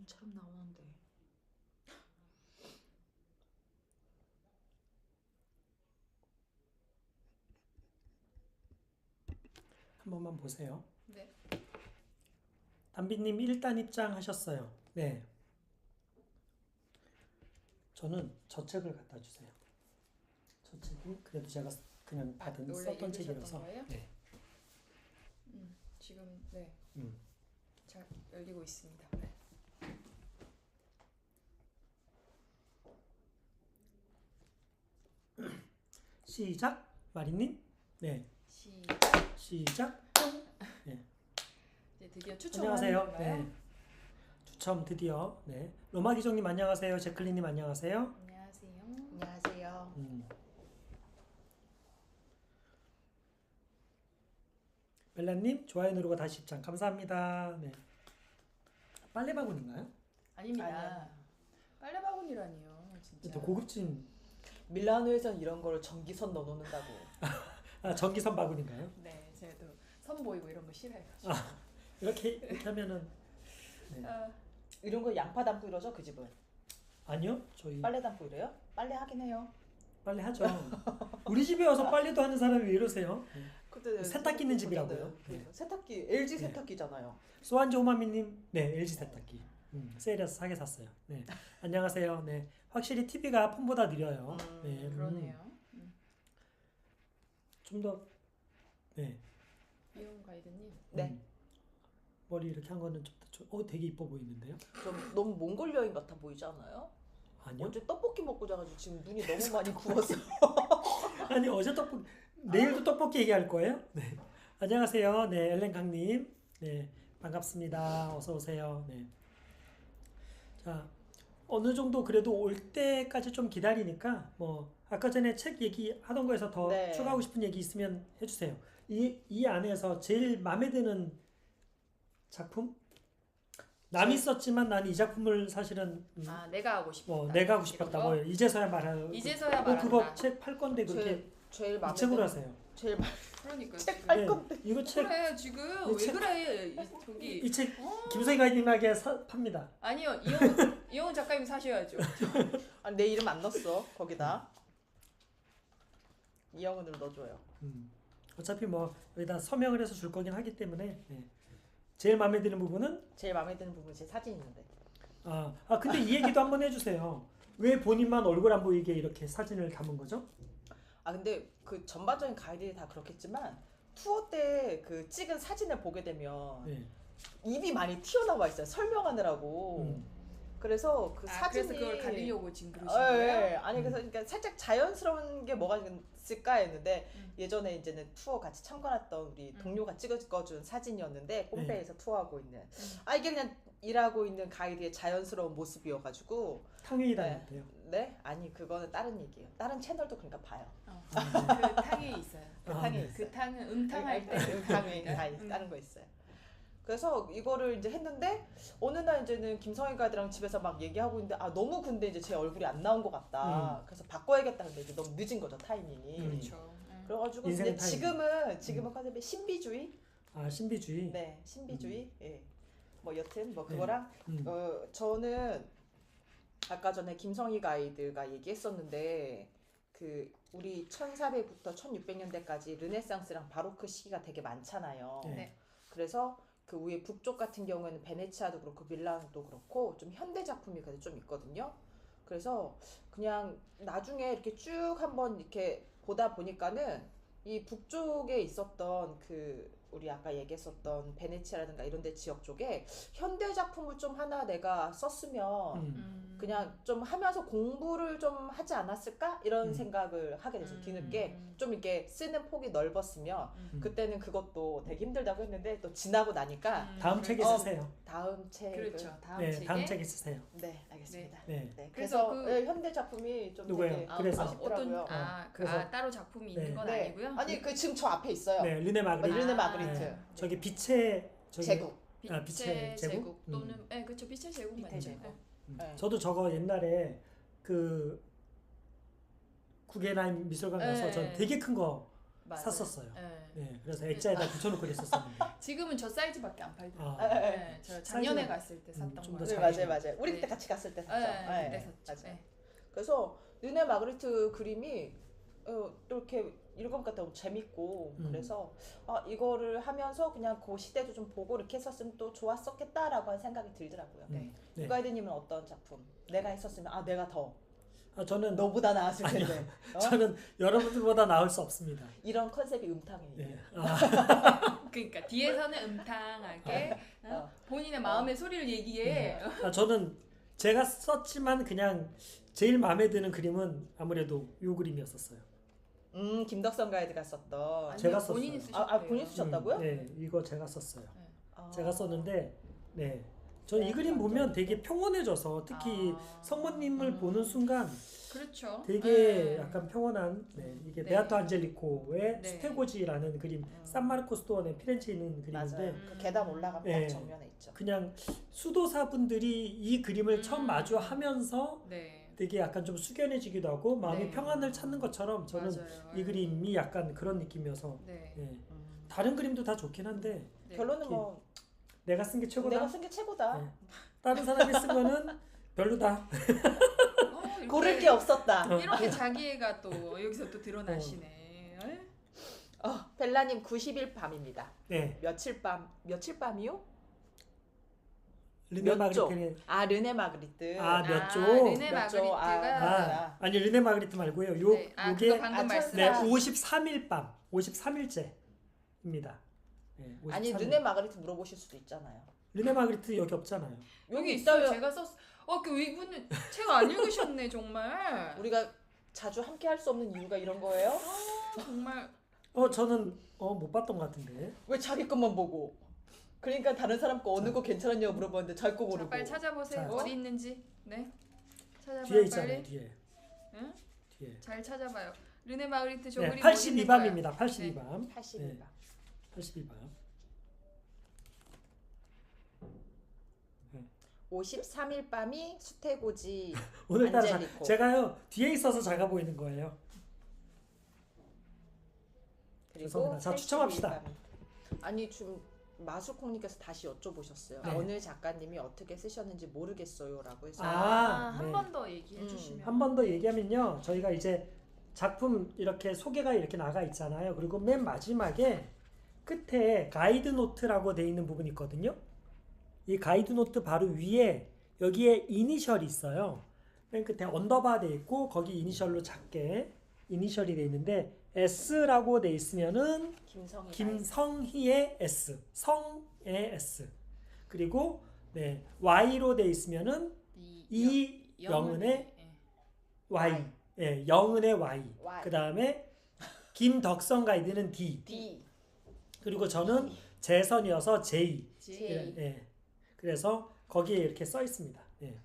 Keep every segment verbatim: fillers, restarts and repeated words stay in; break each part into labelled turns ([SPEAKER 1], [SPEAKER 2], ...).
[SPEAKER 1] 눈처럼 나오는데.
[SPEAKER 2] 한 번만 보세요.
[SPEAKER 3] 네.
[SPEAKER 2] 담비님 일 단 입장하셨어요. 네. 저는 저 책을 갖다 주세요. 저 책이 그래도 제가 그냥 받은
[SPEAKER 3] 아, 원래
[SPEAKER 2] 썼던
[SPEAKER 3] 읽으셨던
[SPEAKER 2] 책이라서.
[SPEAKER 3] 거예요?
[SPEAKER 2] 네.
[SPEAKER 3] 음, 지금 네.
[SPEAKER 2] 음.
[SPEAKER 3] 잘 열리고 있습니다. 네.
[SPEAKER 2] 시작. 마리님. 네.
[SPEAKER 3] 시작.
[SPEAKER 2] 시작. 네.
[SPEAKER 3] 이제 드디어 추첨하는
[SPEAKER 2] 안녕하세요.
[SPEAKER 3] 건가요?
[SPEAKER 2] 네. 추첨 드디어. 네. 로마 기종님 안녕하세요. 제클린님 안녕하세요.
[SPEAKER 3] 안녕하세요.
[SPEAKER 1] 안녕하세요.
[SPEAKER 2] 음. 벨라님 좋아요 누르고 다시 입장 감사합니다. 네. 빨래 바구니인가요?
[SPEAKER 3] 아닙니다.
[SPEAKER 1] 아니야.
[SPEAKER 3] 빨래 바구니라니요, 진짜.
[SPEAKER 2] 또 고급진
[SPEAKER 1] 밀라노에선 이런 거를 전기선 넣어놓는다고.
[SPEAKER 2] 아, 전기선 바구니인가요?
[SPEAKER 3] 네, 제가 또 선 보이고 이런 거 싫어해가지고.
[SPEAKER 2] 아, 이렇게 이렇게 하면은 네.
[SPEAKER 3] 아,
[SPEAKER 1] 이런 거 양파 담고 이러죠, 그 집은?
[SPEAKER 2] 아니요 저희
[SPEAKER 1] 빨래 담고 이래요? 빨래 하긴 해요.
[SPEAKER 2] 빨래 하죠. 우리 집에 와서 빨래도 하는 사람이 왜 이러세요? 네.
[SPEAKER 1] 그때
[SPEAKER 2] 세탁기 있는 집이라고요.
[SPEAKER 1] 네. 세탁기 엘지
[SPEAKER 2] 네.
[SPEAKER 1] 세탁기잖아요.
[SPEAKER 2] 소환조 호마미님, 네 엘지 세탁기. 음, 세일해서 사게 샀어요. 네, 안녕하세요. 네, 확실히 티비가 폰보다 느려요.
[SPEAKER 1] 음,
[SPEAKER 2] 네, 음,
[SPEAKER 3] 그러네요. 음.
[SPEAKER 2] 좀 더, 네,
[SPEAKER 3] 이용 가이드님.
[SPEAKER 1] 네.
[SPEAKER 2] 음, 머리 이렇게 한 거는 좀, 더 좀- 어, 되게 이뻐 보이는데요?
[SPEAKER 1] 좀 너무 몽골 여행 같아 보이지 않아요?
[SPEAKER 2] 아니요?
[SPEAKER 1] 어제 떡볶이 먹고 자가지고 지금 눈이 너무 많이 부었어.
[SPEAKER 2] 아니 어제 떡볶이, 내일도 떡볶이 얘기할 거예요? 네, 안녕하세요. 네, 엘렌 강님, 네, 반갑습니다. 어서 오세요. 네, 자. 어느 정도 그래도 올 때까지 좀 기다리니까 뭐 아까 전에 책 얘기하던 거에서 더
[SPEAKER 1] 네.
[SPEAKER 2] 추가하고 싶은 얘기 있으면 해주세요. 이, 이 안에서 제일 마음에 드는 작품? 남이
[SPEAKER 1] 제-
[SPEAKER 2] 썼지만 난 이 작품을 사실은 음,
[SPEAKER 3] 아, 내가 하고 싶다.
[SPEAKER 2] 뭐 내가 하고 싶었다.
[SPEAKER 3] 이런 거?
[SPEAKER 2] 뭐 이제서야 말하는
[SPEAKER 3] 이제서야
[SPEAKER 2] 어,
[SPEAKER 3] 말한다.
[SPEAKER 2] 그거 책 팔 건데 그렇게
[SPEAKER 1] 제일 제일
[SPEAKER 2] 이
[SPEAKER 1] 마음에
[SPEAKER 2] 책으로
[SPEAKER 1] 드는
[SPEAKER 2] 하세요.
[SPEAKER 1] 제일 마...
[SPEAKER 3] 그러니까
[SPEAKER 1] 책
[SPEAKER 3] 지금.
[SPEAKER 1] 팔
[SPEAKER 2] 네,
[SPEAKER 1] 건데.
[SPEAKER 2] 이거 책
[SPEAKER 3] 그래 지금
[SPEAKER 2] 이
[SPEAKER 3] 왜
[SPEAKER 2] 책-
[SPEAKER 3] 그래 이, 저기
[SPEAKER 2] 이 책
[SPEAKER 3] 어?
[SPEAKER 2] 김성희 가이님에게 사, 팝니다.
[SPEAKER 3] 아니요 이용 이용 작가님 사셔야죠.
[SPEAKER 1] 아, 내 이름 안 넣었어 거기다. 이영은으로 넣어줘요.
[SPEAKER 2] 음. 어차피 뭐 여기다 서명을 해서 줄 거긴 하기 때문에 네. 제일 마음에 드는 부분은
[SPEAKER 1] 제일 마음에 드는 부분이 제 사진 있는데.
[SPEAKER 2] 아, 아 근데 이 얘기도 한번 해주세요. 왜 본인만 얼굴 안 보이게 이렇게 사진을 담은 거죠?
[SPEAKER 1] 아 근데 그 전반적인 가이드들이 다 그렇겠지만 투어 때 그 찍은 사진을 보게 되면
[SPEAKER 2] 네.
[SPEAKER 1] 입이 많이 튀어나와 있어요. 설명하느라고.
[SPEAKER 2] 음.
[SPEAKER 1] 그래서 그
[SPEAKER 3] 아,
[SPEAKER 1] 사진이
[SPEAKER 3] 그래서 그걸 가리려고 지금 그러신
[SPEAKER 1] 어, 예,
[SPEAKER 3] 거예요?
[SPEAKER 1] 예. 아니 그래서 그러니까 살짝 자연스러운 게 뭐가 있을까 했는데
[SPEAKER 3] 음.
[SPEAKER 1] 예전에 이제는 투어 같이 참관했던 우리
[SPEAKER 3] 음.
[SPEAKER 1] 동료가 찍어준 사진이었는데 폼페이에서 투어하고 있는
[SPEAKER 3] 음.
[SPEAKER 1] 아 이게 그냥 일하고 있는 가이드의 자연스러운 모습이어가지고
[SPEAKER 2] 탕웨이
[SPEAKER 1] 네.
[SPEAKER 2] 닮았대요.
[SPEAKER 1] 네 아니 그거는 다른 얘기예요. 다른 채널도 그러니까 봐요.
[SPEAKER 3] 어.
[SPEAKER 2] 아, 네.
[SPEAKER 3] 그 탕이 있어요.
[SPEAKER 1] 그
[SPEAKER 2] 아,
[SPEAKER 1] 탕이
[SPEAKER 2] 네.
[SPEAKER 1] 있어요.
[SPEAKER 3] 그 탕은 음탕할 때
[SPEAKER 1] 그 탕이 다
[SPEAKER 3] 음.
[SPEAKER 1] 다른 거 있어요. 그래서 이거를 이제 했는데 어느 날 이제는 김성희 가이드랑 집에서 막 얘기하고 있는데 아 너무 근데 이제 제 얼굴이 안 나온 것 같다.
[SPEAKER 2] 음.
[SPEAKER 1] 그래서 바꿔야겠다. 근데 이제 너무 늦은 거죠 타이밍이.
[SPEAKER 2] 음.
[SPEAKER 3] 그렇죠. 음.
[SPEAKER 1] 그래가지고
[SPEAKER 2] 인생의
[SPEAKER 1] 이제
[SPEAKER 2] 타이밍.
[SPEAKER 1] 지금은 지금은 컨셉이 신비주의.
[SPEAKER 2] 아 신비주의.
[SPEAKER 1] 네, 신비주의. 예. 뭐 여튼 뭐
[SPEAKER 2] 네.
[SPEAKER 1] 그거랑
[SPEAKER 2] 음.
[SPEAKER 1] 어 저는 아까 전에 김성희 가이드가 얘기했었는데 그 우리 천사백부터 천육백 년대까지 르네상스랑 바로크 시기가 되게 많잖아요.
[SPEAKER 2] 네.
[SPEAKER 3] 네.
[SPEAKER 1] 그래서 그 위에 북쪽 같은 경우에는 베네치아도 그렇고 밀라노도 그렇고 좀 현대 작품이 그래도 좀 있거든요. 그래서 그냥 나중에 이렇게 쭉 한번 이렇게 보다 보니까는 이 북쪽에 있었던 그 우리 아까 얘기했었던 베네치아라든가 이런 데 지역 쪽에 현대 작품을 좀 하나 내가 썼으면
[SPEAKER 2] 음.
[SPEAKER 3] 음.
[SPEAKER 1] 그냥 좀 하면서 공부를 좀 하지 않았을까? 이런
[SPEAKER 2] 음.
[SPEAKER 1] 생각을 하게 됐어요.
[SPEAKER 3] 음.
[SPEAKER 1] 뒤늦게
[SPEAKER 3] 음.
[SPEAKER 1] 좀 이렇게 쓰는 폭이 넓었으면
[SPEAKER 3] 음.
[SPEAKER 1] 그때는 그것도 되게 힘들다고 했는데 또 지나고 나니까
[SPEAKER 3] 음.
[SPEAKER 2] 다음 책에
[SPEAKER 1] 어,
[SPEAKER 2] 쓰세요.
[SPEAKER 1] 다음 책을
[SPEAKER 3] 그렇죠. 다음
[SPEAKER 2] 네,
[SPEAKER 3] 책에
[SPEAKER 2] 다음 책에 쓰세요.
[SPEAKER 1] 네 알겠습니다.
[SPEAKER 2] 네.
[SPEAKER 1] 네,
[SPEAKER 3] 그래서
[SPEAKER 1] 그래서
[SPEAKER 3] 그-
[SPEAKER 1] 예, 현대 작품이 좀
[SPEAKER 2] 누구예요?
[SPEAKER 1] 되게
[SPEAKER 3] 아,
[SPEAKER 2] 그래서.
[SPEAKER 3] 아, 어떤
[SPEAKER 1] 아쉽더라고요.
[SPEAKER 3] 아, 그,
[SPEAKER 2] 그래서-
[SPEAKER 3] 아 따로 작품이
[SPEAKER 2] 네.
[SPEAKER 3] 있는 건
[SPEAKER 1] 네.
[SPEAKER 3] 아니고요.
[SPEAKER 1] 아니 그 지금 저 앞에 있어요.
[SPEAKER 2] 네, 르네 마그리트.
[SPEAKER 1] 르네
[SPEAKER 3] 아,
[SPEAKER 1] 마그리트.
[SPEAKER 3] 네.
[SPEAKER 2] 저기 빛의 저기
[SPEAKER 1] 제국.
[SPEAKER 2] 아,
[SPEAKER 3] 빛의
[SPEAKER 2] 빛의
[SPEAKER 3] 제국,
[SPEAKER 2] 제국?
[SPEAKER 3] 또는
[SPEAKER 2] 음.
[SPEAKER 3] 네, 그렇죠. 빛의 제국
[SPEAKER 1] 빛의
[SPEAKER 3] 맞죠.
[SPEAKER 1] 제국.
[SPEAKER 3] 네.
[SPEAKER 2] 음.
[SPEAKER 1] 네.
[SPEAKER 2] 저도 저거 옛날에 그 구겐하임 미술관 가서
[SPEAKER 3] 네.
[SPEAKER 2] 전 되게 큰 거
[SPEAKER 3] 맞아요.
[SPEAKER 2] 샀었어요.
[SPEAKER 3] 네.
[SPEAKER 2] 네, 그래서 액자에다 붙여놓고 그랬었었는데.
[SPEAKER 3] 지금은 저 사이즈밖에 안 팔더라고요.
[SPEAKER 2] 아,
[SPEAKER 3] 네, 저 작년에
[SPEAKER 2] 사이즈가-
[SPEAKER 3] 갔을 때
[SPEAKER 2] 음,
[SPEAKER 3] 샀던
[SPEAKER 2] 좀더
[SPEAKER 3] 거예요.
[SPEAKER 1] 네,
[SPEAKER 2] 잘-
[SPEAKER 1] 맞아요, 맞아요. 우리
[SPEAKER 3] 네.
[SPEAKER 1] 그때 같이 갔을 때
[SPEAKER 3] 네,
[SPEAKER 1] 샀죠.
[SPEAKER 3] 그때
[SPEAKER 1] 네,
[SPEAKER 3] 샀죠.
[SPEAKER 1] 맞아요.
[SPEAKER 3] 네.
[SPEAKER 1] 그래서 르네 마그리트 그림이 어, 또 이렇게 읽어보니까 너무 재밌고
[SPEAKER 2] 음.
[SPEAKER 1] 그래서 아, 이거를 하면서 그냥 그 시대도 좀 보고 이렇게 했었으면 또 좋았었겠다라고 하는 생각이 들더라고요.
[SPEAKER 3] 네.
[SPEAKER 2] 네.
[SPEAKER 1] 유가이드님은 어떤 작품? 내가 했었으면 아 내가 더
[SPEAKER 2] 아, 저는
[SPEAKER 1] 너보다 나았을
[SPEAKER 2] 아니요.
[SPEAKER 1] 텐데 어?
[SPEAKER 2] 저는 여러분들보다 나을 수 없습니다.
[SPEAKER 1] 이런 컨셉이 음탕이에요.
[SPEAKER 2] 네. 아,
[SPEAKER 3] 그러니까 뒤에서는 음탕하게 어?
[SPEAKER 1] 어.
[SPEAKER 3] 본인의 마음의 소리를 얘기해.
[SPEAKER 2] 아, 저는 제가 썼지만 그냥 제일 마음에 드는 그림은 아무래도 요 그림이었었어요.
[SPEAKER 1] 음 김덕선 가이드가 썼던
[SPEAKER 3] 아니요,
[SPEAKER 2] 제가 썼어요.
[SPEAKER 3] 본인이 쓰셨대요.
[SPEAKER 1] 아, 아 본인 쓰셨다고요?
[SPEAKER 2] 음, 네, 이거 제가 썼어요.
[SPEAKER 1] 아.
[SPEAKER 2] 제가 썼는데, 네, 저 이
[SPEAKER 1] 네,
[SPEAKER 2] 그림
[SPEAKER 1] 완전.
[SPEAKER 2] 보면 되게 평온해져서 특히
[SPEAKER 3] 아.
[SPEAKER 2] 성모님을
[SPEAKER 1] 음.
[SPEAKER 2] 보는 순간
[SPEAKER 3] 그렇죠.
[SPEAKER 2] 되게
[SPEAKER 3] 네.
[SPEAKER 2] 약간 평온한, 네, 이게
[SPEAKER 3] 네.
[SPEAKER 2] 베아토 안젤리코의
[SPEAKER 3] 네.
[SPEAKER 2] 스테고지라는 그림,
[SPEAKER 1] 음.
[SPEAKER 2] 산마르코 스토어의 피렌체에 있는
[SPEAKER 1] 맞아요.
[SPEAKER 2] 그림인데
[SPEAKER 3] 음.
[SPEAKER 1] 그 계단 올라가면
[SPEAKER 2] 네.
[SPEAKER 1] 딱 정면에 있죠.
[SPEAKER 2] 그냥 수도사분들이 이 그림을
[SPEAKER 3] 음.
[SPEAKER 2] 처음 마주하면서
[SPEAKER 3] 네.
[SPEAKER 2] 되게 약간 좀 숙연해지기도 하고 마음이
[SPEAKER 3] 네.
[SPEAKER 2] 평안을 찾는 것처럼 저는
[SPEAKER 3] 맞아요.
[SPEAKER 2] 이 그림이 약간 그런 느낌이어서
[SPEAKER 3] 네.
[SPEAKER 2] 예.
[SPEAKER 1] 음.
[SPEAKER 2] 다른 그림도 다 좋긴 한데
[SPEAKER 3] 네.
[SPEAKER 1] 결론은
[SPEAKER 2] 이렇게
[SPEAKER 1] 뭐
[SPEAKER 2] 내가 쓴 게 최고다.
[SPEAKER 1] 내가 쓴 게 최고다.
[SPEAKER 2] 네. 다른 사람이 쓴 거는 별로다.
[SPEAKER 3] 어, 이렇게-
[SPEAKER 1] 고를 게 없었다.
[SPEAKER 2] 어.
[SPEAKER 3] 이렇게 자기애가 또 여기서 또 드러나시네. 에?
[SPEAKER 1] 어, 벨라님 구십 일 밤입니다.
[SPEAKER 2] 네.
[SPEAKER 1] 며칠 밤 며칠 밤이요?
[SPEAKER 2] 르네
[SPEAKER 1] 몇 조?
[SPEAKER 2] 마그리트는
[SPEAKER 1] 아 르네 마그리트.
[SPEAKER 2] 아, 몇 조?
[SPEAKER 3] 르네
[SPEAKER 1] 몇 조?
[SPEAKER 3] 마그리트가
[SPEAKER 2] 아, 아니 르네 마그리트 말고요. 요
[SPEAKER 3] 네. 아,
[SPEAKER 2] 요게
[SPEAKER 3] 그거 방금
[SPEAKER 1] 아,
[SPEAKER 3] 말씀.
[SPEAKER 2] 네,
[SPEAKER 1] 천사.
[SPEAKER 2] 오십삼 일 밤. 오십삼 일째입니다. 네,
[SPEAKER 1] 아니
[SPEAKER 2] 오십삼 일.
[SPEAKER 1] 르네 마그리트 물어보실 수도 있잖아요.
[SPEAKER 2] 르네 마그리트 여기 없잖아요.
[SPEAKER 3] 여기
[SPEAKER 1] 있어요.
[SPEAKER 3] 있어요. 제가 썼. 어, 그 이분은 책 안 읽으셨네 정말.
[SPEAKER 1] 우리가 자주 함께 할 수 없는 이유가 이런 거예요?
[SPEAKER 3] 어, 정말.
[SPEAKER 2] 어 저는 어 못 봤던 것 같은데.
[SPEAKER 1] 왜 자기 것만 보고? 그러니까 다른 사람 거 어느 거 괜찮았냐고 물어봤는데 자기 거
[SPEAKER 3] 자,
[SPEAKER 1] 모르고.
[SPEAKER 3] 빨리 찾아보세요.
[SPEAKER 2] 자.
[SPEAKER 3] 어디 있는지. 네. 찾아봐요
[SPEAKER 2] 뒤에 있잖아요.
[SPEAKER 3] 빨리.
[SPEAKER 2] 뒤에.
[SPEAKER 3] 응?
[SPEAKER 2] 뒤에.
[SPEAKER 3] 잘 찾아봐요. 르네 마그리트 저
[SPEAKER 2] 네,
[SPEAKER 3] 그림
[SPEAKER 2] 팔십이 밤입니다. 팔십이 밤.
[SPEAKER 1] 팔십일 밤.
[SPEAKER 2] 팔십이 밤.
[SPEAKER 1] 오십삼 일 밤이 수태고지
[SPEAKER 2] 오늘따라 자,
[SPEAKER 1] 안젤리코.
[SPEAKER 2] 제가요 뒤에 있어서 작아 보이는 거예요.
[SPEAKER 1] 그리고
[SPEAKER 2] 죄송합니다. 자, 추첨합시다.
[SPEAKER 1] 팔십일 밤. 아니 좀 마수콩님께서 다시 여쭤보셨어요.
[SPEAKER 2] 네.
[SPEAKER 1] 어느 작가님이 어떻게 쓰셨는지 모르겠어요라고 해서.
[SPEAKER 2] 아,
[SPEAKER 3] 한
[SPEAKER 2] 네.
[SPEAKER 3] 번 더 얘기해
[SPEAKER 1] 음.
[SPEAKER 3] 주시면.
[SPEAKER 2] 한 번 더 얘기하면요. 저희가 이제 작품 이렇게 소개가 이렇게 나가 있잖아요. 그리고 맨 마지막에 끝에 가이드 노트라고 돼 있는 부분이 있거든요. 이 가이드 노트 바로 위에 여기에 이니셜이 있어요. 맨 끝에 언더바 돼 있고 거기 이니셜로 작게 이니셜이 돼 있는데 S라고 돼 있으면은
[SPEAKER 1] 김성희.
[SPEAKER 2] 김성희의 S, 성의 S. 그리고 네, Y로 돼 있으면은
[SPEAKER 3] 이
[SPEAKER 2] 이영은의
[SPEAKER 3] 예.
[SPEAKER 2] Y, 예, 영은의 Y.
[SPEAKER 1] Y.
[SPEAKER 2] 그 다음에 김덕선 가이드는 D.
[SPEAKER 1] D.
[SPEAKER 2] 그리고 저는 재선이어서 J.
[SPEAKER 3] 지-
[SPEAKER 1] J.
[SPEAKER 2] 예. 그래서 거기에 이렇게 써 있습니다. 예.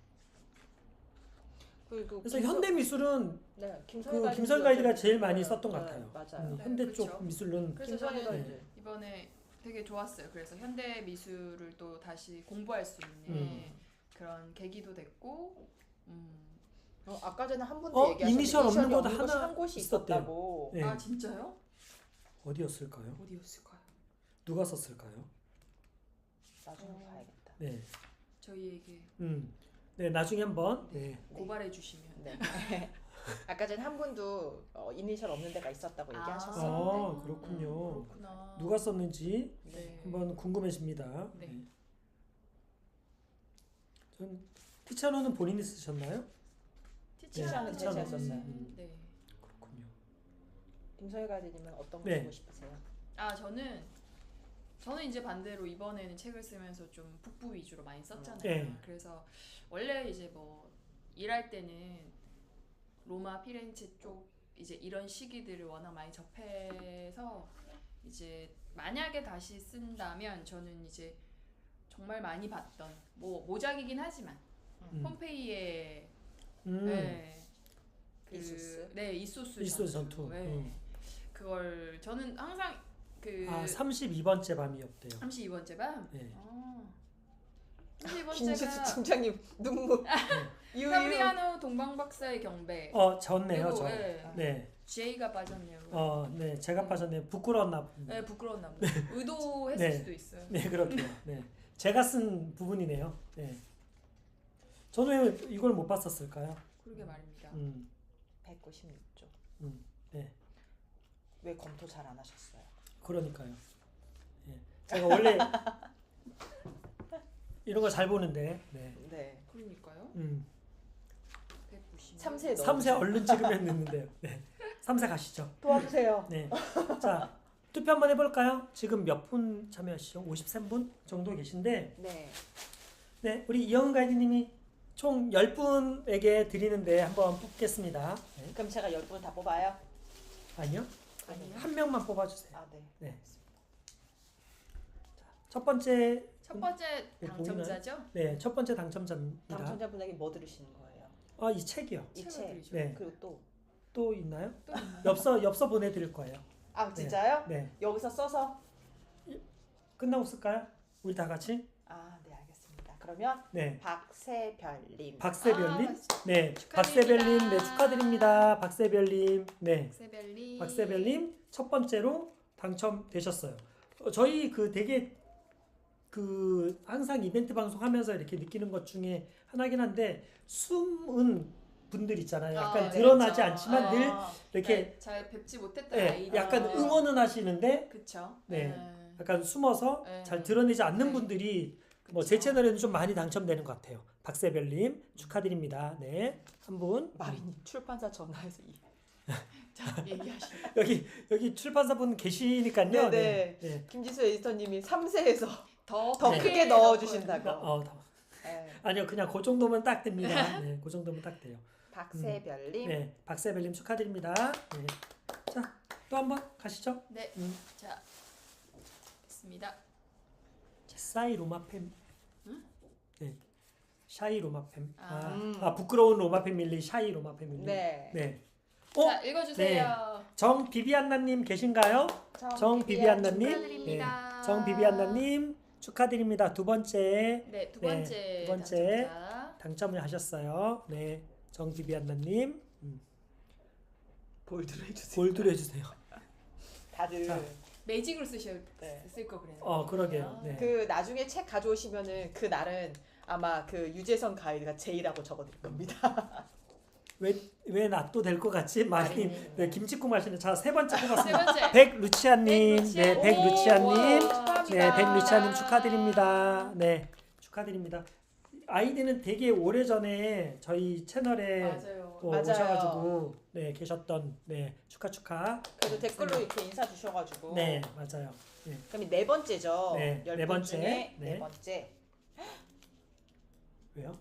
[SPEAKER 1] 그리고
[SPEAKER 2] 그래서
[SPEAKER 1] 김성-
[SPEAKER 2] 현대 미술은
[SPEAKER 1] 네, 김성희
[SPEAKER 2] 그 김선 가이드가
[SPEAKER 1] 좀-
[SPEAKER 2] 제일 많이
[SPEAKER 1] 네,
[SPEAKER 2] 썼던 것
[SPEAKER 1] 네,
[SPEAKER 2] 같아요.
[SPEAKER 1] 맞아요.
[SPEAKER 2] 음,
[SPEAKER 3] 네,
[SPEAKER 2] 현대
[SPEAKER 3] 그렇죠.
[SPEAKER 2] 쪽 미술은
[SPEAKER 3] 그래서
[SPEAKER 1] 김선희
[SPEAKER 3] 저는
[SPEAKER 1] 가이드.
[SPEAKER 3] 이번에 되게 좋았어요. 그래서 현대 미술을 또 다시 공부할 수 있는
[SPEAKER 2] 음.
[SPEAKER 3] 그런 계기도 됐고, 음.
[SPEAKER 1] 어, 아까 전에 한 분도
[SPEAKER 2] 어,
[SPEAKER 1] 얘기하셨는데
[SPEAKER 2] 이니셜 없는
[SPEAKER 1] 이니셜이
[SPEAKER 2] 곳
[SPEAKER 1] 없는 곳이
[SPEAKER 2] 하나
[SPEAKER 1] 한 곳이
[SPEAKER 2] 있었대요.
[SPEAKER 1] 있었다고.
[SPEAKER 2] 예.
[SPEAKER 3] 아 진짜요?
[SPEAKER 2] 어디였을까요?
[SPEAKER 3] 어디였을까요?
[SPEAKER 2] 누가 썼을까요?
[SPEAKER 1] 나중에
[SPEAKER 3] 어.
[SPEAKER 1] 봐야겠다.
[SPEAKER 2] 네.
[SPEAKER 3] 저희에게
[SPEAKER 2] 음. 네, 나중에 한번 네.
[SPEAKER 3] 고발해 주시면.
[SPEAKER 1] 네. 아까 전에 한 분도 어, 이니셜 없는 데가 있었다고
[SPEAKER 3] 아.
[SPEAKER 1] 얘기하셨어요.
[SPEAKER 2] 아, 그렇군요.
[SPEAKER 3] 그렇구나.
[SPEAKER 2] 누가 썼는지
[SPEAKER 3] 네.
[SPEAKER 2] 한번 궁금해집니다.
[SPEAKER 3] 네.
[SPEAKER 2] 네. 전 티차노는 본인이 쓰셨나요?
[SPEAKER 1] 티치아는
[SPEAKER 2] 네,
[SPEAKER 1] 제가
[SPEAKER 2] 티치아노.
[SPEAKER 1] 썼어요.
[SPEAKER 2] 음.
[SPEAKER 3] 네.
[SPEAKER 2] 그렇군요.
[SPEAKER 1] 김성희 가이드님은 어떤 거
[SPEAKER 2] 네.
[SPEAKER 1] 보고 싶으세요?
[SPEAKER 3] 아 저는 저는 이제 반대로 이번에는 책을 쓰면서 좀 북부 위주로 많이 썼잖아요.
[SPEAKER 2] 네.
[SPEAKER 3] 그래서 원래 이제 뭐 일할 때는 로마, 피렌체 쪽 이제 이런 시기들을 워낙 많이 접해서 이제 만약에 다시 쓴다면 저는 이제 정말 많이 봤던 뭐 모작이긴 하지만
[SPEAKER 2] 음.
[SPEAKER 3] 폼페이의
[SPEAKER 2] 음.
[SPEAKER 3] 네, 그,
[SPEAKER 1] 이소스?
[SPEAKER 3] 네 이소스,
[SPEAKER 2] 이소스 전투.
[SPEAKER 3] 네.
[SPEAKER 2] 음.
[SPEAKER 3] 그걸 저는 항상 그
[SPEAKER 2] 아, 삼십이 번째 밤이었대요.
[SPEAKER 3] 삼십이 번째 밤?
[SPEAKER 2] 네.
[SPEAKER 3] 아, 삼십이
[SPEAKER 1] 김지수
[SPEAKER 3] 번째가
[SPEAKER 1] 팀장님 눈물. 유유.
[SPEAKER 3] 파브리아노 동방박사의 경배.
[SPEAKER 2] 어, 졌네요,
[SPEAKER 3] 그리고,
[SPEAKER 2] 저.
[SPEAKER 3] 예.
[SPEAKER 2] 네.
[SPEAKER 3] 제이가 빠졌네요.
[SPEAKER 2] 어, 네. 제가 빠졌네요. 부끄러웠나 봅니다.
[SPEAKER 3] 네, 부끄러웠나 보다. 의도했을
[SPEAKER 2] 네.
[SPEAKER 3] 수도 있어요.
[SPEAKER 2] 네, 그렇게요. 네. 제가 쓴 부분이네요. 네. 저는 왜 이걸 못 봤었을까요?
[SPEAKER 3] 그러게 말입니다.
[SPEAKER 2] 음.
[SPEAKER 1] 백구십육 조.
[SPEAKER 2] 음. 네.
[SPEAKER 1] 왜 검토 잘 안 하셨어요?
[SPEAKER 2] 그러니까요. 예. 제가 원래 이런 거 잘 보는데. 네.
[SPEAKER 1] 네.
[SPEAKER 3] 그러니까요.
[SPEAKER 2] 음.
[SPEAKER 3] 백구십.
[SPEAKER 1] 삼 세 넣어.
[SPEAKER 2] 삼 세 얼른 찍으면 됐는데요. 네. 삼 세 가시죠.
[SPEAKER 1] 도와주세요.
[SPEAKER 2] 네. 자, 투표 한번 해볼까요? 지금 몇 분 참여하시죠? 오십삼 분 정도 계신데,
[SPEAKER 1] 네.
[SPEAKER 2] 네, 우리 이영은 가이드님이 총 십 분에게 드리는데 한번 뽑겠습니다. 네.
[SPEAKER 1] 그럼 제가 열 분 다 뽑아요?
[SPEAKER 2] 아니요,
[SPEAKER 3] 아니요.
[SPEAKER 2] 한 명만 뽑아주세요.
[SPEAKER 1] 아, 네.
[SPEAKER 2] 네. 첫 번째,
[SPEAKER 3] 첫 번째
[SPEAKER 2] 네,
[SPEAKER 3] 당첨자죠?
[SPEAKER 2] 네, 첫 번째 당첨자입니다.
[SPEAKER 1] 당첨자분에게 뭐 들으시는 거예요?
[SPEAKER 2] 아, 이 책이요.
[SPEAKER 1] 이
[SPEAKER 3] 책을
[SPEAKER 1] 책.
[SPEAKER 3] 드리죠.
[SPEAKER 2] 네,
[SPEAKER 1] 그리고 또.
[SPEAKER 2] 또 있나요?
[SPEAKER 3] 또 있나요?
[SPEAKER 2] 엽서, 엽서 보내드릴 거예요.
[SPEAKER 1] 아, 진짜요?
[SPEAKER 2] 네,
[SPEAKER 1] 여기서 써서?
[SPEAKER 2] 끝나고 쓸까요? 우리 다 같이?
[SPEAKER 1] 아, 네, 알겠습니다. 그러면
[SPEAKER 2] 네.
[SPEAKER 1] 박세별님.
[SPEAKER 2] 박세별님,
[SPEAKER 3] 아,
[SPEAKER 2] 네,
[SPEAKER 3] 축하드립니다.
[SPEAKER 2] 박세별님, 네 축하드립니다. 박세별님, 네,
[SPEAKER 3] 박세별님.
[SPEAKER 2] 박세별님 첫 번째로 당첨되셨어요. 어, 저희 그 되게 그 항상 이벤트 방송하면서 이렇게 느끼는 것 중에 하나긴 한데 숨은 분들 있잖아요. 약간
[SPEAKER 3] 아,
[SPEAKER 2] 드러나지
[SPEAKER 3] 그렇죠.
[SPEAKER 2] 않지만
[SPEAKER 3] 아,
[SPEAKER 2] 늘 이렇게
[SPEAKER 3] 네, 잘 뵙지 못했던
[SPEAKER 2] 네,
[SPEAKER 3] 아이들.
[SPEAKER 2] 약간 응원은 하시는데
[SPEAKER 3] 그쵸.
[SPEAKER 2] 네.
[SPEAKER 3] 네.
[SPEAKER 2] 약간 숨어서
[SPEAKER 3] 네.
[SPEAKER 2] 잘 드러내지 않는
[SPEAKER 3] 네.
[SPEAKER 2] 분들이 뭐
[SPEAKER 3] 그쵸.
[SPEAKER 2] 제 채널에는 좀 많이 당첨되는 것 같아요. 박세별님 축하드립니다. 네, 한 분.
[SPEAKER 1] 마리님 출판사 전화해서 이.
[SPEAKER 3] 자, 얘기하시죠.
[SPEAKER 2] 여기 여기 출판사분 계시니까요.
[SPEAKER 1] 네네.
[SPEAKER 2] 네. 네.
[SPEAKER 1] 김지수 에디터님이 삼 세에서
[SPEAKER 3] 더,
[SPEAKER 1] 더
[SPEAKER 2] 네.
[SPEAKER 1] 크게 넣어주신다고.
[SPEAKER 2] 어, 더.
[SPEAKER 1] 네.
[SPEAKER 2] 아니요, 그냥 그 정도면 딱 됩니다. 네, 그 정도면 딱 돼요.
[SPEAKER 1] 박세별님.
[SPEAKER 2] 네, 박세별님 축하드립니다. 네. 자, 또 한 번 가시죠.
[SPEAKER 3] 네.
[SPEAKER 2] 음.
[SPEAKER 3] 자, 됐습니다.
[SPEAKER 2] 사이 로마팸.
[SPEAKER 3] 응?
[SPEAKER 2] 네, 샤이 로마팸. 아,
[SPEAKER 3] 아.
[SPEAKER 1] 음.
[SPEAKER 2] 아 부끄러운 로마 패밀리, 샤이 로마 패밀리.
[SPEAKER 1] 네.
[SPEAKER 2] 네. 어,
[SPEAKER 3] 자, 읽어주세요.
[SPEAKER 2] 정 비비안나님 계신가요? 정 비비안나님.
[SPEAKER 3] 축하드립니다.
[SPEAKER 2] 네. 정 비비안나님 축하드립니다. 두 번째
[SPEAKER 3] 네, 두
[SPEAKER 2] 네,
[SPEAKER 3] 번째,
[SPEAKER 2] 두 번째.
[SPEAKER 3] 당첨자.
[SPEAKER 2] 당첨을 하셨어요. 네, 정 비비안나님 음,
[SPEAKER 1] 볼드로 해주세요.
[SPEAKER 2] 골드로 해주세요.
[SPEAKER 1] 다들
[SPEAKER 2] 자.
[SPEAKER 3] 매직으로 쓰실
[SPEAKER 1] 네.
[SPEAKER 3] 쓸거 그래요.
[SPEAKER 2] 어, 그러게요. 네.
[SPEAKER 1] 그 나중에 책 가져오시면은 그 날은 아마 그 유재선 가이드가 제이라고 적어드릴 겁니다.
[SPEAKER 2] 왜왜 나 또 될 것 같지? 많이
[SPEAKER 1] 마리님.
[SPEAKER 2] 네, 김치국 마시는 자 세 번째
[SPEAKER 3] 세
[SPEAKER 2] 뽑았습니다.
[SPEAKER 3] 번째.
[SPEAKER 2] 백루치아님, 네,
[SPEAKER 3] 백루치아.
[SPEAKER 2] 백루치아님,
[SPEAKER 3] 오, 축하합니다.
[SPEAKER 2] 네, 백루치아님 축하드립니다. 네, 축하드립니다. 아이디는 되게 오래 전에 저희 채널에
[SPEAKER 3] 맞아요.
[SPEAKER 2] 또
[SPEAKER 1] 맞아요.
[SPEAKER 2] 오셔가지고 네 계셨던 네 축하 축하.
[SPEAKER 1] 그래도 댓글로 이렇게 인사 주셔가지고.
[SPEAKER 2] 네, 맞아요. 네,
[SPEAKER 1] 그럼 네 번째죠.
[SPEAKER 2] 네,
[SPEAKER 1] 열
[SPEAKER 2] 네
[SPEAKER 1] 분
[SPEAKER 2] 번째.
[SPEAKER 1] 중에
[SPEAKER 2] 네.
[SPEAKER 1] 네 번째
[SPEAKER 2] 왜요?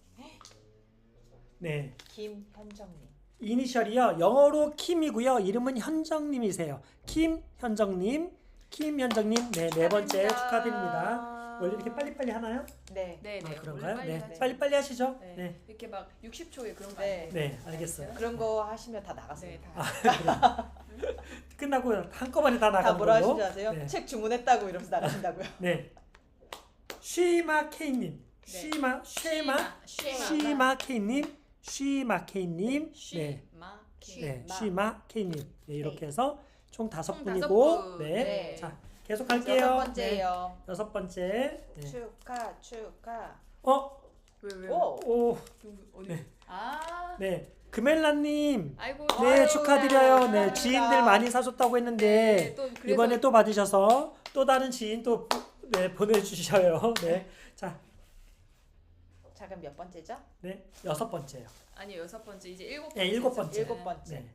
[SPEAKER 2] 네,
[SPEAKER 1] 김현정님.
[SPEAKER 2] 이니셜이요. 영어로 킴이고요. 이름은 현정님이세요. 김현정님, 김현정님, 네, 네 번째 축하드립니다. 원래 이렇게 빨리빨리 하나요?
[SPEAKER 1] 네.
[SPEAKER 3] 네, 네.
[SPEAKER 2] 아, 그런가요?
[SPEAKER 3] 빨리
[SPEAKER 2] 네,
[SPEAKER 3] 하죠.
[SPEAKER 2] 빨리빨리 하시죠.
[SPEAKER 3] 네.
[SPEAKER 2] 네,
[SPEAKER 3] 이렇게 막 육십 초에 그런 거
[SPEAKER 1] 네.
[SPEAKER 3] 안 돼요.
[SPEAKER 2] 네, 알겠어요.
[SPEAKER 1] 그런 거 하시면 다
[SPEAKER 3] 네,
[SPEAKER 1] 나갔습니다.
[SPEAKER 3] 다.
[SPEAKER 2] 끝나고 한꺼번에 다
[SPEAKER 1] 다
[SPEAKER 2] 나가는
[SPEAKER 1] 뭐라
[SPEAKER 2] 걸로.
[SPEAKER 1] 하시는지 아세요?
[SPEAKER 2] 네.
[SPEAKER 1] 책 주문했다고 이러면서 나가신다고요.
[SPEAKER 2] 네. 쉬마 케이님,
[SPEAKER 3] 네.
[SPEAKER 2] 쉬마, 쉬마,
[SPEAKER 3] 쉬마.
[SPEAKER 2] 쉬마 케이님, 쉬마 케이님, 네,
[SPEAKER 3] 쉬마.
[SPEAKER 2] 네,
[SPEAKER 1] 쉬마.
[SPEAKER 2] 쉬마 케이님. 네, 이렇게 해서 총 다섯
[SPEAKER 3] 총 다섯
[SPEAKER 2] 분이고,
[SPEAKER 3] 분.
[SPEAKER 2] 네.
[SPEAKER 1] 네.
[SPEAKER 2] 자, 계속 할게요.
[SPEAKER 1] 여섯
[SPEAKER 2] 네,
[SPEAKER 1] 번째예요.
[SPEAKER 2] 여섯 번째. 네.
[SPEAKER 1] 축하 축하.
[SPEAKER 2] 어,
[SPEAKER 3] 왜 왜?
[SPEAKER 1] 오.
[SPEAKER 2] 오,
[SPEAKER 3] 누구 어디?
[SPEAKER 2] 네.
[SPEAKER 3] 아.
[SPEAKER 2] 네, 금엘라님.
[SPEAKER 3] 아이고.
[SPEAKER 2] 네,
[SPEAKER 1] 아유,
[SPEAKER 2] 축하드려요. 네,
[SPEAKER 1] 감사합니다.
[SPEAKER 2] 지인들 많이 사줬다고 했는데
[SPEAKER 3] 네, 또 그래서
[SPEAKER 2] 이번에 또 받으셔서 또 다른 지인 또 네, 보내주셔요. 네, 자,
[SPEAKER 1] 자 그럼 몇 번째죠?
[SPEAKER 2] 네, 여섯 번째요.
[SPEAKER 3] 아니 여섯 번째 이제 일곱 번째.
[SPEAKER 2] 네, 일곱 번째.
[SPEAKER 1] 일곱 번째.
[SPEAKER 2] 네,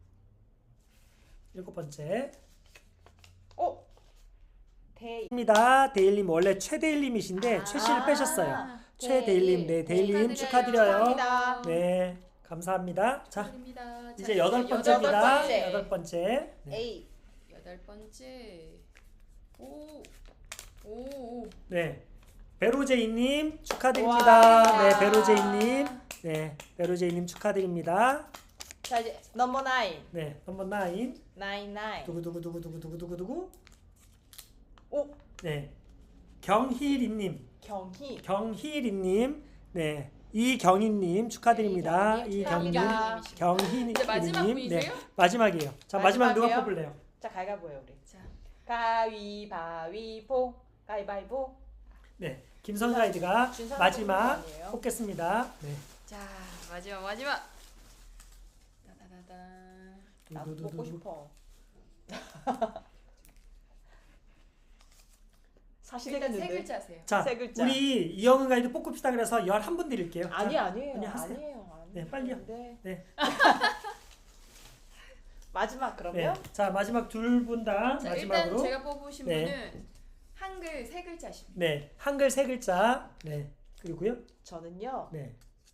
[SPEAKER 2] 일곱 번째.
[SPEAKER 1] 오. 대.
[SPEAKER 2] 입니다. 데일님 원래 최데일님이신데
[SPEAKER 3] 아.
[SPEAKER 2] 최씨를 빼셨어요.
[SPEAKER 1] 아,
[SPEAKER 2] 최데일님, 네, 데일님 축하드려요.
[SPEAKER 1] 축하합니다.
[SPEAKER 2] 네, 감사합니다. 자,
[SPEAKER 3] 축하드립니다.
[SPEAKER 2] 이제
[SPEAKER 3] 자,
[SPEAKER 2] 여덟
[SPEAKER 3] 이제
[SPEAKER 2] 번째입니다.
[SPEAKER 1] 번째.
[SPEAKER 2] 여덟 번째. 네.
[SPEAKER 1] A.
[SPEAKER 3] 여덟 번째. 오. 오. 오.
[SPEAKER 2] 네, 베로제이님 축하드립니다.
[SPEAKER 1] 와.
[SPEAKER 2] 네, 베로제이님, 네, 베로제이님 축하드립니다.
[SPEAKER 1] 자 이제 넘버 나인.
[SPEAKER 2] 네, 넘버 나인.
[SPEAKER 1] 나인 나인.
[SPEAKER 2] 두구 두구 두구 두구 두구 두구 두구.
[SPEAKER 1] 오.
[SPEAKER 2] 네, 경희리님,
[SPEAKER 1] 경희.
[SPEAKER 2] 경희리님, 네, 이경희님 축하드립니다.
[SPEAKER 1] 네,
[SPEAKER 2] 이경희,
[SPEAKER 1] 축하합니다.
[SPEAKER 2] 경희님,
[SPEAKER 3] 이제 마지막
[SPEAKER 2] 네,
[SPEAKER 3] 분이세요?
[SPEAKER 2] 마지막이에요. 자, 마지막 누가
[SPEAKER 1] 마지막이에요?
[SPEAKER 2] 뽑을래요?
[SPEAKER 1] 자, 가위바위보예요 우리.
[SPEAKER 3] 자,
[SPEAKER 1] 가위바위보. 가위바위보.
[SPEAKER 2] 네, 김선 가이드가
[SPEAKER 1] 준선
[SPEAKER 2] 마지막
[SPEAKER 1] 뽑는 거 아니에요?
[SPEAKER 2] 뽑겠습니다. 네.
[SPEAKER 3] 자 마지막 마지막. 따다다다.
[SPEAKER 1] 나도 뽑고 싶어. 사실
[SPEAKER 3] 일단 세
[SPEAKER 1] 했는데.
[SPEAKER 3] 글자세요.
[SPEAKER 2] 자,
[SPEAKER 1] 세 글자.
[SPEAKER 2] 우리 이영은 가이드 뽑읍시다 그래서 열한 분 드릴게요.
[SPEAKER 1] 아니
[SPEAKER 2] 자,
[SPEAKER 1] 아니에요.
[SPEAKER 2] 아니, 하세요.
[SPEAKER 1] 아니에요. 아니에요.
[SPEAKER 2] 네, 빨리요.
[SPEAKER 1] 네.
[SPEAKER 2] 네.
[SPEAKER 1] 마지막
[SPEAKER 2] 네.
[SPEAKER 1] 그러면
[SPEAKER 2] 자, 마지막 둘 분 다
[SPEAKER 3] 자
[SPEAKER 2] 마지막으로.
[SPEAKER 3] 일단 제가 뽑으신
[SPEAKER 2] 네.
[SPEAKER 3] 분은 한글 세 글자십니다.
[SPEAKER 2] 네, 한글 세 글자. 네. 그리고요.
[SPEAKER 1] 저는요.
[SPEAKER 2] 네.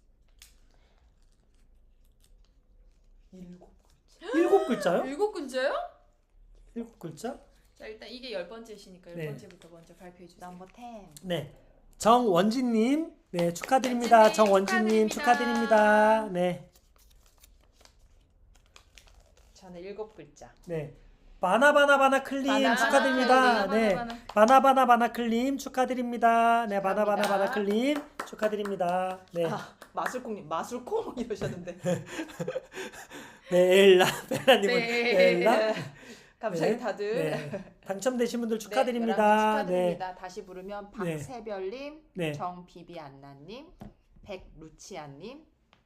[SPEAKER 1] 일곱.
[SPEAKER 2] 일곱 글자요?
[SPEAKER 3] 일곱 글자요?
[SPEAKER 2] 일곱 글자?
[SPEAKER 3] 자 일단 이게 열 번째시니까 열
[SPEAKER 2] 네.
[SPEAKER 3] 번째부터 먼저 발표해 주세요.
[SPEAKER 1] 넘버 텐.
[SPEAKER 2] 네. 정원진님, 네 축하드립니다.
[SPEAKER 3] 원진님
[SPEAKER 2] 정원진님 축하드립니다.
[SPEAKER 3] 축하드립니다.
[SPEAKER 2] 네,
[SPEAKER 1] 저는 일곱 글자.
[SPEAKER 2] 네. 바나바나바나 클림
[SPEAKER 1] 바나,
[SPEAKER 2] 축하드립니다.
[SPEAKER 3] 바나,
[SPEAKER 2] 네,
[SPEAKER 3] 바나, 바나.
[SPEAKER 2] 바나바나바나 클림 축하드립니다. 네,
[SPEAKER 1] 축하합니다.
[SPEAKER 2] 바나바나바나 클림 축하드립니다. 네,
[SPEAKER 1] 아, 마술콩님 마술콩 이러셨는데.
[SPEAKER 2] 네, 엘라 베라님은
[SPEAKER 3] 네.
[SPEAKER 2] 엘라.
[SPEAKER 1] 갑자기
[SPEAKER 2] 네,
[SPEAKER 1] 다들
[SPEAKER 2] 네. 당첨되신 분들
[SPEAKER 1] 네,
[SPEAKER 2] 축하드립니다.
[SPEAKER 1] 열한 분
[SPEAKER 2] 네,
[SPEAKER 1] 축하드립니다. 다시 부르면
[SPEAKER 2] 네.
[SPEAKER 1] 박세별님,
[SPEAKER 2] 네,
[SPEAKER 1] 정비비안나님, 백루치아님,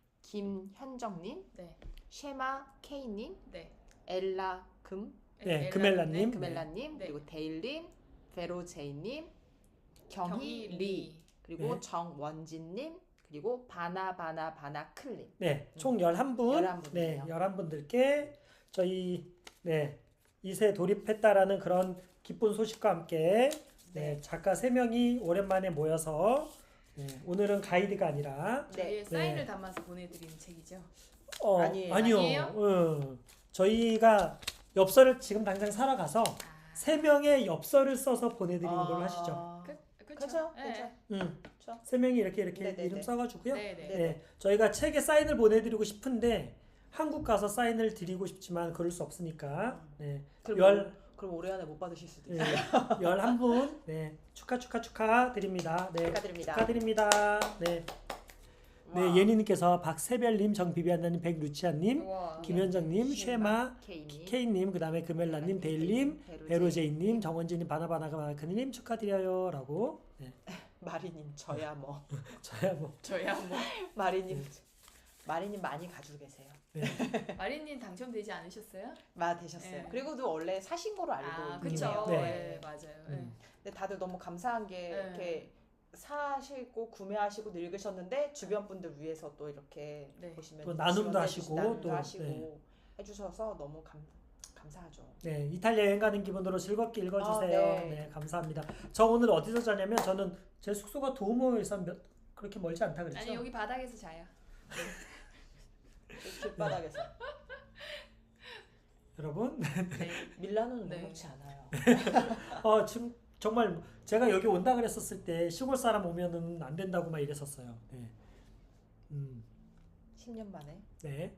[SPEAKER 1] 김현정님,
[SPEAKER 3] 네.
[SPEAKER 1] 쉐마 K님,
[SPEAKER 3] 네.
[SPEAKER 1] 엘라 금,
[SPEAKER 2] 네,
[SPEAKER 3] 엘라,
[SPEAKER 2] 금엘라님.
[SPEAKER 3] 네.
[SPEAKER 1] 금엘라님,
[SPEAKER 3] 네.
[SPEAKER 1] 그리고 데일님, 베로제이님, 경희리,
[SPEAKER 3] 경희리.
[SPEAKER 1] 그리고
[SPEAKER 2] 네.
[SPEAKER 1] 정원진님, 그리고 바나바나바나클님.
[SPEAKER 2] 네, 총 열한 분.
[SPEAKER 1] 열한
[SPEAKER 2] 네,
[SPEAKER 1] 분이네요.
[SPEAKER 2] 열한 분들께 저희 네, 이세 돌입했다라는 그런 기쁜 소식과 함께 네,
[SPEAKER 1] 네.
[SPEAKER 2] 작가 세 명이 오랜만에 모여서 네, 오늘은 가이드가 아니라
[SPEAKER 3] 저희의
[SPEAKER 1] 네.
[SPEAKER 3] 사인을
[SPEAKER 2] 네.
[SPEAKER 3] 담아서 보내드리는 책이죠.
[SPEAKER 2] 어,
[SPEAKER 1] 아니에요.
[SPEAKER 2] 아니요.
[SPEAKER 3] 아니에요?
[SPEAKER 2] 어, 저희가 엽서를 지금 당장 사러 가서
[SPEAKER 3] 아.
[SPEAKER 2] 세 명의 엽서를 써서 보내드리는 걸로 하시죠.
[SPEAKER 1] 아,
[SPEAKER 3] 그,
[SPEAKER 1] 그렇죠.
[SPEAKER 3] 네.
[SPEAKER 1] 그렇죠.
[SPEAKER 2] 음,
[SPEAKER 1] 그렇죠.
[SPEAKER 2] 세 명이 이렇게 이렇게
[SPEAKER 1] 네네네.
[SPEAKER 2] 이름 써가지고요.
[SPEAKER 3] 네, 네.
[SPEAKER 1] 네.
[SPEAKER 2] 네, 저희가 책에 사인을 보내드리고 싶은데 한국 가서 사인을 드리고 싶지만 그럴 수 없으니까 네,
[SPEAKER 1] 그럼
[SPEAKER 2] 열
[SPEAKER 1] 그럼 올해 안에 못 받으실 수도
[SPEAKER 2] 네,
[SPEAKER 1] 있어요.
[SPEAKER 2] 열한 분 네, 축하 축하 축하 드립니다. 네,
[SPEAKER 1] 축하드립니다.
[SPEAKER 2] 축하드립니다. 네,
[SPEAKER 1] 와.
[SPEAKER 2] 네 예니님께서 박세별님, 정비비안나님, 백루치아님,
[SPEAKER 3] 우와.
[SPEAKER 2] 김현정님, 쉐마,
[SPEAKER 1] K님,
[SPEAKER 2] K님, 그 다음에 금엘라님, 데일님, 베로제이님, 정원진님, 바나바나가마크님 축하드려요라고. 네,
[SPEAKER 1] 마리님 저야 뭐
[SPEAKER 2] 저야 뭐
[SPEAKER 3] 저야 뭐
[SPEAKER 1] 마리님 마리님 많이 가지고 계세요.
[SPEAKER 2] 네,
[SPEAKER 3] 마리님 당첨되지 않으셨어요?
[SPEAKER 1] 마 되셨어요.
[SPEAKER 3] 네.
[SPEAKER 1] 그리고도 원래 사신 거로 알고
[SPEAKER 3] 아
[SPEAKER 1] 있네요.
[SPEAKER 3] 그쵸.
[SPEAKER 2] 네.
[SPEAKER 3] 네. 맞아요. 네.
[SPEAKER 2] 음.
[SPEAKER 1] 근데 다들 너무 감사한 게
[SPEAKER 3] 네.
[SPEAKER 1] 이렇게 사시고 구매하시고 늙으셨는데 주변 분들 위해서 또 이렇게
[SPEAKER 3] 네.
[SPEAKER 1] 보시면
[SPEAKER 2] 또 나눔도
[SPEAKER 1] 지원해
[SPEAKER 2] 하시고
[SPEAKER 1] 주시- 나눔도
[SPEAKER 2] 또,
[SPEAKER 1] 하시고
[SPEAKER 2] 네.
[SPEAKER 1] 해주셔서 너무 감 감사하죠.
[SPEAKER 2] 네, 이탈리아 여행 가는 기분으로 즐겁게 읽어주세요.
[SPEAKER 1] 아,
[SPEAKER 2] 네.
[SPEAKER 1] 네.
[SPEAKER 2] 감사합니다. 저 오늘 어디서 자냐면 저는 제 숙소가 도우모에서 몇, 그렇게 멀지 않다 그랬죠?
[SPEAKER 3] 아니 여기 바닥에서 자요.
[SPEAKER 1] 길바닥에서
[SPEAKER 2] 여러분,
[SPEAKER 3] 네.
[SPEAKER 1] 밀라노는
[SPEAKER 3] 네.
[SPEAKER 1] 녹록치 않아요.
[SPEAKER 2] 어, 지금 정말 제가 여기 온다 그랬었을 때 시골 사람 오면은 안 된다고 막 이랬었어요. 네. 음,
[SPEAKER 1] 십 년 만에.
[SPEAKER 2] 네.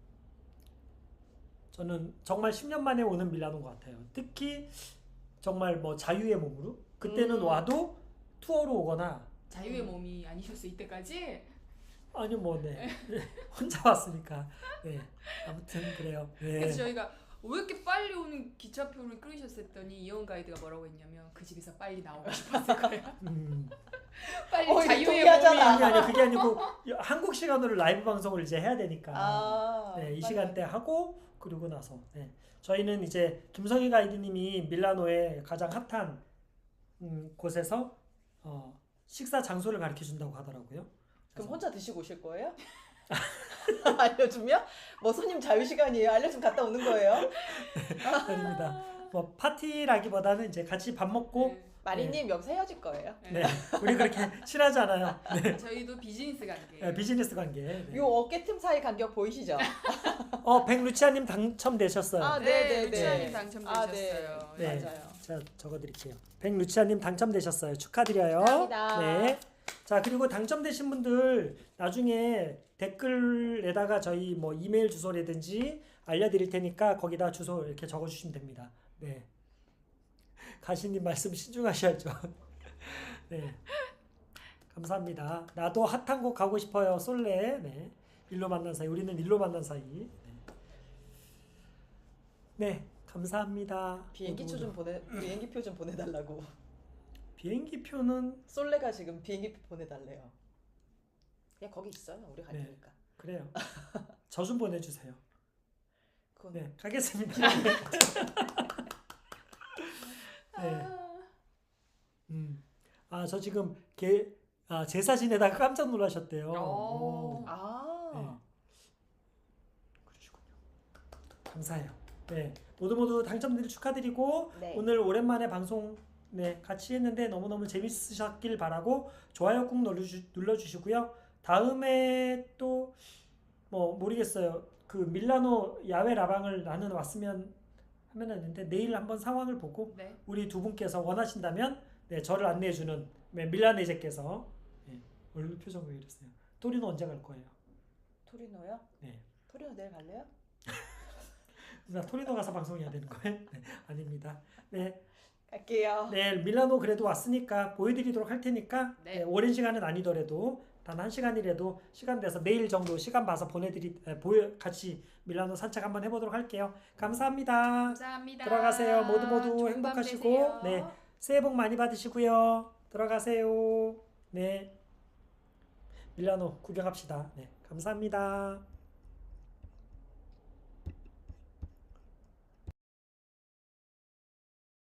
[SPEAKER 2] 저는 정말 십 년 만에 오는 밀라노인 것 같아요. 특히 정말 뭐 자유의 몸으로 그때는
[SPEAKER 1] 음.
[SPEAKER 2] 와도 투어로 오거나
[SPEAKER 3] 자유의 몸이 아니셨어 이때까지.
[SPEAKER 2] 아니 뭐 네. 혼자 왔으니까 네. 아무튼 그래요. 네.
[SPEAKER 3] 그래서 저희가 왜 이렇게 빨리 오는 기차표를 끊으셨을 했더니 이영 가이드가 뭐라고 했냐면 그 집에서 빨리 나오고 싶었을 거예요.
[SPEAKER 2] 음.
[SPEAKER 3] 빨리
[SPEAKER 1] 어, 이거
[SPEAKER 3] 자유의
[SPEAKER 1] 동의하잖아.
[SPEAKER 3] 몸이.
[SPEAKER 2] 아니 아니 그게 아니고 한국 시간으로 라이브 방송을 이제 해야 되니까
[SPEAKER 1] 아,
[SPEAKER 2] 네, 이
[SPEAKER 1] 빨리.
[SPEAKER 2] 시간대 하고 그리고 나서 네. 저희는 이제 김성희 가이드님이 밀라노의 가장 핫한 음, 곳에서 어, 식사 장소를 가르쳐 준다고 하더라고요.
[SPEAKER 1] 그럼 혼자 드시고 오실 거예요? 알려주면? 뭐 손님 자유 시간이에요. 알려주면 갔다 오는 거예요?
[SPEAKER 2] 아닙니다. 뭐 파티라기보다는 이제 같이 밥 먹고
[SPEAKER 3] 네.
[SPEAKER 1] 마리님 여기서 헤어질 거예요.
[SPEAKER 2] 네. 우리 그렇게 친하지 않아요. 네.
[SPEAKER 3] 저희도 비즈니스 관계.
[SPEAKER 2] 네, 비즈니스 관계. 네.
[SPEAKER 1] 요 어깨 틈 사이 간격 보이시죠?
[SPEAKER 2] 어, 백루치아님 당첨되셨어요.
[SPEAKER 1] 아,
[SPEAKER 3] 네,
[SPEAKER 1] 네, 네,
[SPEAKER 3] 루치아님
[SPEAKER 1] 네.
[SPEAKER 3] 당첨되셨어요.
[SPEAKER 1] 아, 네.
[SPEAKER 2] 네.
[SPEAKER 1] 맞아요.
[SPEAKER 2] 제가 적어드릴게요. 백루치아님 당첨되셨어요. 축하드려요.
[SPEAKER 1] 축하합니다.
[SPEAKER 2] 네. 자 그리고 당첨되신 분들 나중에 댓글에다가 저희 뭐 이메일 주소라든지 알려드릴 테니까 거기다 주소 이렇게 적어주시면 됩니다. 네. 가시님 말씀 신중하셔야죠. 네. 감사합니다. 나도 핫한 곳 가고 싶어요. 솔레. 네. 일로 만난 사이. 우리는 일로 만난 사이. 네. 네. 감사합니다.
[SPEAKER 1] 비행기표
[SPEAKER 2] 모두
[SPEAKER 1] 좀 보내 비행기표 좀 보내달라고.
[SPEAKER 2] 비행기표는
[SPEAKER 1] 솔레가 지금 비행기표 보내달래요. 그냥 거기 있어요. 우리 갈
[SPEAKER 2] 네.
[SPEAKER 1] 테니까.
[SPEAKER 2] 그래요. 저 좀 보내주세요.
[SPEAKER 1] 그건
[SPEAKER 2] 네, 가겠습니다. 네.
[SPEAKER 3] 아,
[SPEAKER 2] 음. 아, 저 지금 게, 아, 제 사진에다가 깜짝 놀라셨대요.
[SPEAKER 3] 오.
[SPEAKER 2] 오.
[SPEAKER 1] 아.
[SPEAKER 2] 네. 그러시군요. 감사해요. 네, 모두 모두 당첨들 축하드리고
[SPEAKER 1] 네.
[SPEAKER 2] 오늘 오랜만에 방송 네, 같이 했는데 너무너무 재밌으셨길 바라고 좋아요 꾹 눌러주, 눌러주시고요. 다음에 또 뭐 모르겠어요. 그 밀라노 야외 라방을 나는 왔으면 하면 했는데 내일 한번 상황을 보고
[SPEAKER 3] 네.
[SPEAKER 2] 우리 두 분께서 원하신다면 네, 저를 안내해주는 네, 밀라네제께서 네, 얼굴 표정 왜 이러세요? 토리노 언제 갈 거예요?
[SPEAKER 1] 토리노요?
[SPEAKER 2] 네.
[SPEAKER 1] 토리노 내일 갈래요?
[SPEAKER 2] 나 토리노 가서 방송해야 되는 거예요? 네, 아닙니다. 네,
[SPEAKER 1] 갈게요.
[SPEAKER 2] 네, 밀라노 그래도 왔으니까 보여드리도록 할 테니까
[SPEAKER 3] 네.
[SPEAKER 2] 네, 오랜 시간은 아니더라도 단 한 시간이라도 시간 돼서 내일 정도 시간 봐서 보내드리 에, 보여 같이 밀라노 산책 한번 해보도록 할게요. 감사합니다.
[SPEAKER 3] 감사합니다.
[SPEAKER 2] 들어가세요. 모두 모두
[SPEAKER 3] 좋은 밤
[SPEAKER 2] 행복하시고
[SPEAKER 3] 되세요.
[SPEAKER 2] 네, 새해 복 많이 받으시고요. 들어가세요. 네, 밀라노 구경합시다. 네, 감사합니다.